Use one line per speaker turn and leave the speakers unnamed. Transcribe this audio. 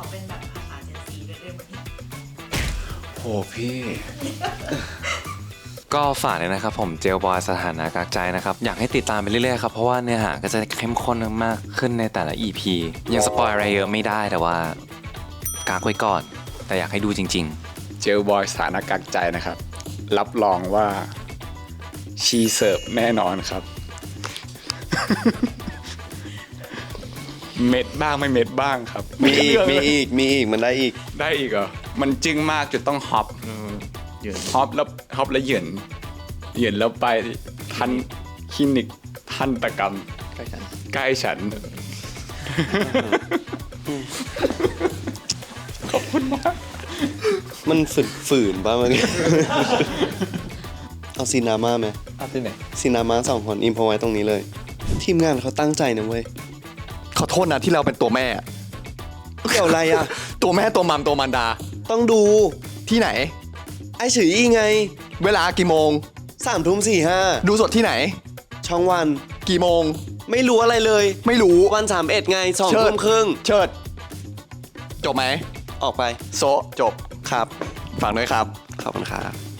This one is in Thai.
เขาเป็นแบบภาษาเจนซีด้วยไหม
โหพี่ ก็ฝากเลยนะครับผมเจลบอยสถานะกักใจนะครับอยากให้ติดตามไปเรื่อยๆครับเพราะว่าเนื้อหาก็จะเข้มข้นมากขึ้นในแต่ละ EP ยังสปอยอะไรเยอะไม่ได้แต่ว่ากักไว้ก่อน แต่อยากให้ดูจริง
เจลบอยสถานะกักใจนะครับ รับรองว่าชีเสิร์ฟแน่นอนครับ เม็ดบ้างไม่เม็ดบ้างครับ
มีอีกมันได้อีก
ได้อีกเหรอมันจึ้งมากจนต้องฮอป
ๆ
ฮอปแล้วเหยินแล้วไปทันคลินิกทันตกรรมใกล้ฉันขอบคุณมาก
มันฝืนป่ะมัน เอาซีนามาไหม
เอาที่ไหน
ซีนามา2 คนอิมพอไว้ตรงนี้เลย ทีมงานเขาตั้งใจนะเว้ย
ขอโทษนะที่เราเป็นตัวแม่
เกี่ยวอะไรอ่ะ
ตัวแม่ตัวมัมตัวมันดา
ต้องดู
ที่ไหน
ไอ้ฉืออีไง
เวลากี่โมง
3:45
ดูสดที่ไหน
ช่องวัน
กี่โมง
ไม่รู้อะไรเลย
ไม่รู้
วัน31ไง
เชิด
20:30
เชิด จบไหม
ออกไป
โซะจบ
ครับ
ฝากด้วยครับ
ขอบคุณครับ